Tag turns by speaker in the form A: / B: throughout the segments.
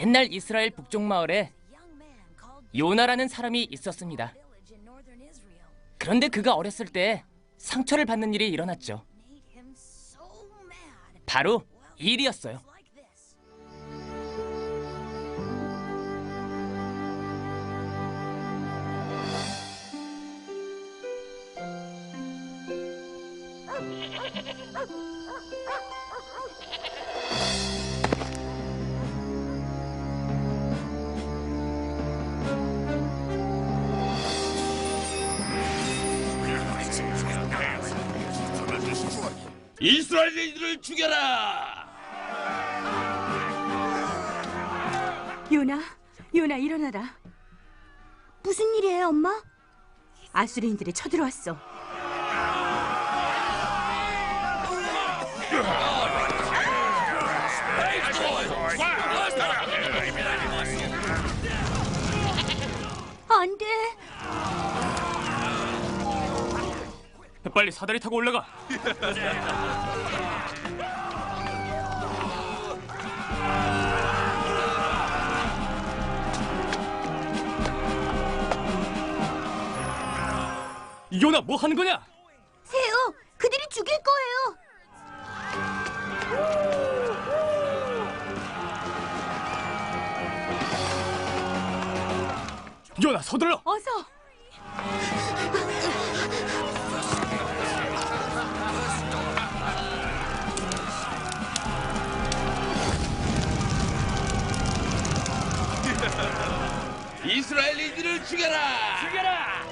A: 옛날 이스라엘 북쪽 마을에 요나라는 사람이 있었습니다. 그런데 그가 어렸을 때 상처를 받는 일이 일어났죠. 바로 이 일이었어요.
B: 이스라엘인들을 죽여라!
C: 요나 일어나라.
D: 무슨 일이에요, 엄마?
C: 아수리인들이 쳐들어왔어.
D: 안 돼.
A: 빨리 사다리 타고 올라가. 요나, 뭐 하는 거냐?
D: 세요, 그들이 죽일 거예요.
A: 요나, 서둘러.
C: 어서.
B: 이스라엘인들을 죽여라!
A: 죽여라!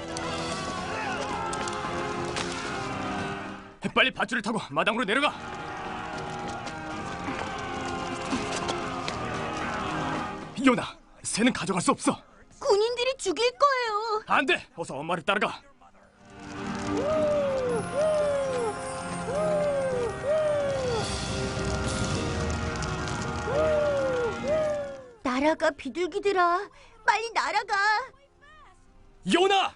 A: 빨리 밧줄을 타고 마당으로 내려가. 요나, 새는 가져갈 수 없어.
D: 군인들이 죽일 거예요.
A: 안 돼. 어서 엄마를 따라가.
D: 날아가, 비둘기들아. 빨리 날아가.
A: 요나!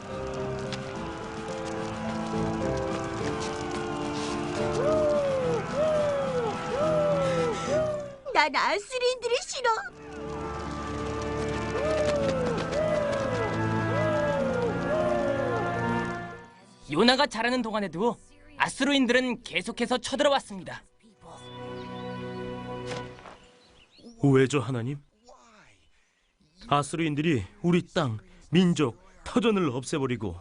D: 난 아수리인들이 싫어.
A: 요나가 자라는 동안에도 아수르인들은 계속해서 쳐들어왔습니다.
E: 왜죠, 하나님? 아수르인들이 우리 땅, 민족, 터전을 없애버리고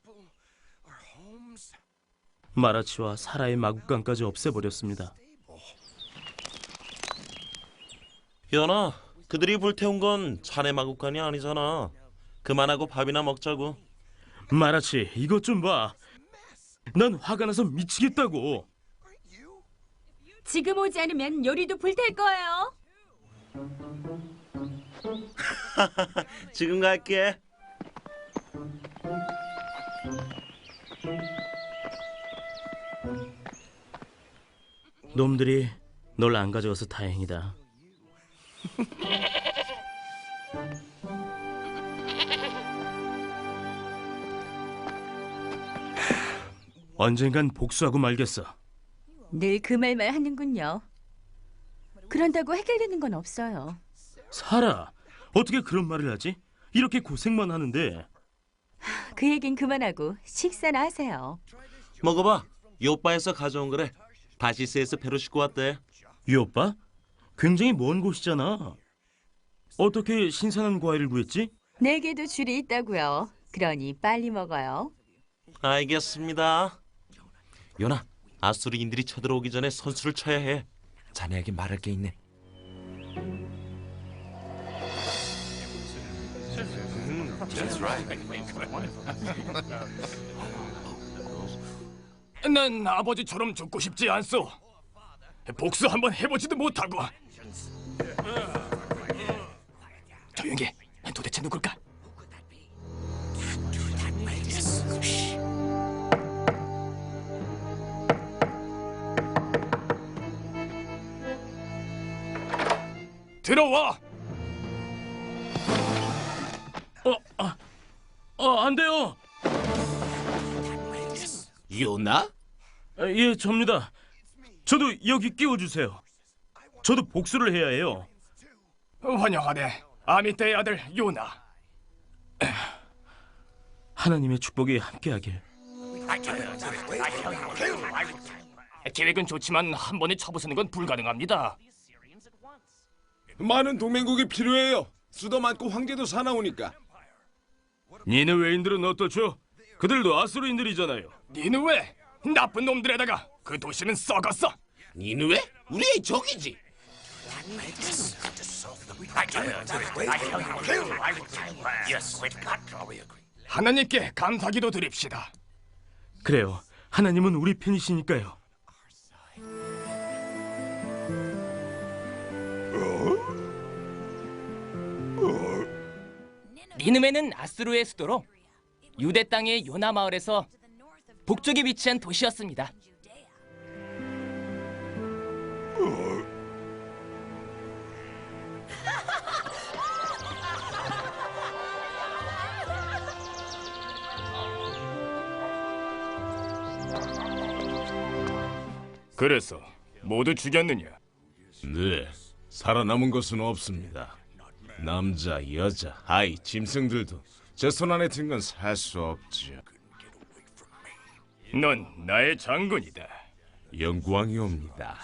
E: 마라치와 사라의 마국간까지 없애버렸습니다.
F: 연아, 그들이 불태운 건 자네 마국간이 아니잖아. 그만하고 밥이나 먹자고.
E: 마라치, 이것 좀 봐. 난 화가 나서 미치겠다고.
C: 지금 오지 않으면 요리도 불탈 거예요.
F: 지금 갈게.
E: 놈들이 널 안 가져와서 다행이다. 언젠간 복수하고 말겠어.
C: 늘 그 말만 하는군요. 그런다고 해결되는 건 없어요.
E: 사라, 어떻게 그런 말을 하지? 이렇게 고생만 하는데.
C: 그 얘긴 그만하고 식사나 하세요.
F: 먹어봐. 요빠에서 가져온 거래. 다시스에서 배로 싣고 왔대.
E: 이 오빠? 굉장히 먼 곳이잖아. 어떻게 신선한 과일을 구했지?
C: 내게도 줄이 있다고요. 그러니 빨리 먹어요.
F: 알겠습니다. 요나, 아수리인들이 쳐들어오기 전에 선수를 쳐야 해. 자네에게 말할 게 있네.
A: 난 아버지처럼 죽고 싶지 않소. 복수 한번 해보지도 못하고. 조용히 해. 도대체 누굴까? 들어와.
E: 안 돼요.
B: 요나?
E: 예, 접니다. 저도 여기 끼워주세요. 저도 복수를 해야 해요.
G: 환영하네, 아미떼의 아들 요나.
E: 하나님의 축복이 함께하길.
G: 계획은 좋지만 한 번에 쳐부수는 건 불가능합니다.
B: 많은 동맹국이 필요해요. 수도 많고 황제도 사나우니까.
E: 니느웨인들은 어떻죠? 그들도 아수르인들이잖아요.
G: 니느웨, 나쁜 놈들에다가 그 도시는 썩었어.
B: 니느웨? 우리의 적이지.
G: 하나님께 감사기도 드립시다.
E: 그래요. 하나님은 우리 편이시니까요.
A: 니느웨는 아수르의 수도로 유대 땅의 요나 마을에서 북쪽에 위치한 도시였습니다.
G: 그래서 모두 죽였느냐?
B: 네, 살아남은 것은 없습니다. 남자, 여자, 아이, 짐승들도 제 손 안에 든 건 살 수 없죠.
G: 넌 나의 장군이다.
B: 영광이옵니다.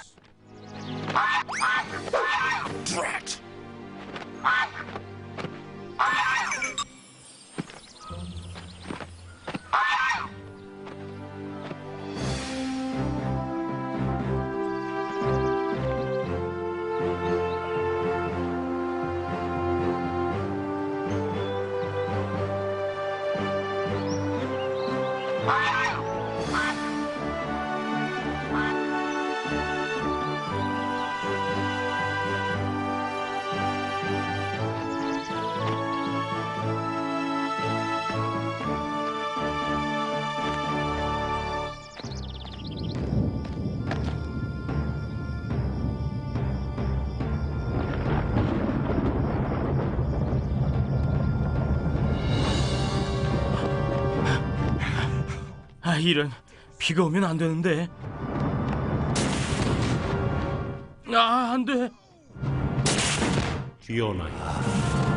E: 아, 이런. 비가 오면 안 되는데. 아, 안 돼.
F: 요나야,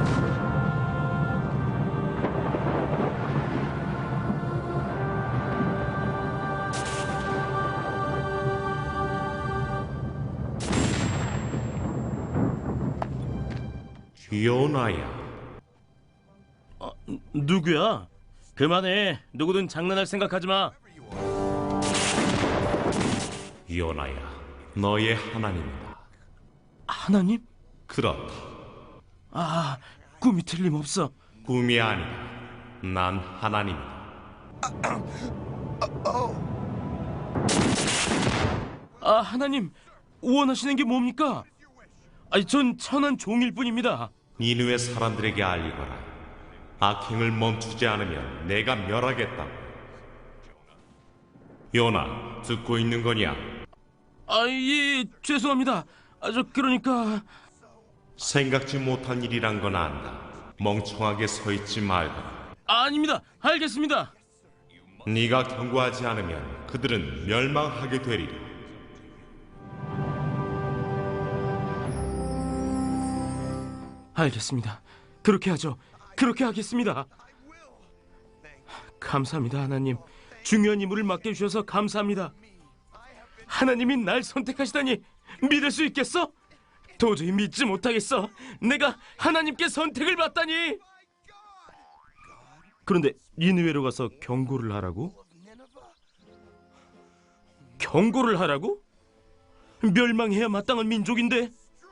F: 요나야.
E: 누구야? 그만해. 누구든 장난할 생각하지 마.
F: 요나야, 너의 하나님이다.
E: 하나님?
F: 그렇다.
E: 아, 꿈이 틀림없어.
F: 꿈이 아니다. 난 하나님이다.
E: 아, 하나님. 원하시는 게 뭡니까? 아니, 전 천한 종일 뿐입니다.
F: 니느웨 사람들에게 알리거라. 악행을 멈추지 않으면 내가 멸하겠다고. 요나, 듣고 있는 거냐?
E: 아, 예, 죄송합니다. 아, 그러니까...
F: 생각지 못한 일이란 건 안다. 멍청하게 서 있지 말거라.
E: 아닙니다. 알겠습니다.
F: 네가 경고하지 않으면 그들은 멸망하게 되리라.
E: 알겠습니다. 그렇게 하죠. 그렇게 하겠습니다. 감사합니다, 하나님. 중요한 임무를 맡겨주셔서 감사합니다. 하나님이 날 선택하시다니 믿을 수 있겠어? 도저히 믿지 못하겠어. 내가 하나님께 선택을 받다니. 그런데 니느웨로 가서 경고를 하라고? 경고를 하라고? 멸망해야 마땅한 민족인데.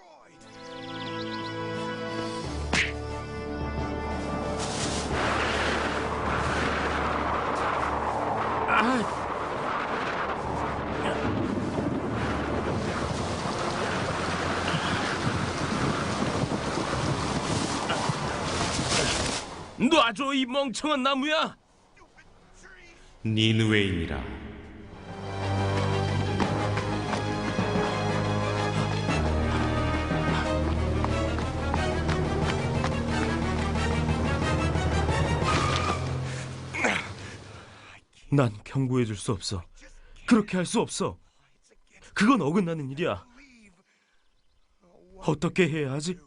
E: 놔줘, 이 멍청한 나무야.
F: 니느웨인이라.
E: 난 경고해 줄 수 없어. 그렇게 할 수 없어. 그건 어긋나는 일이야. 어떻게 해야 하지?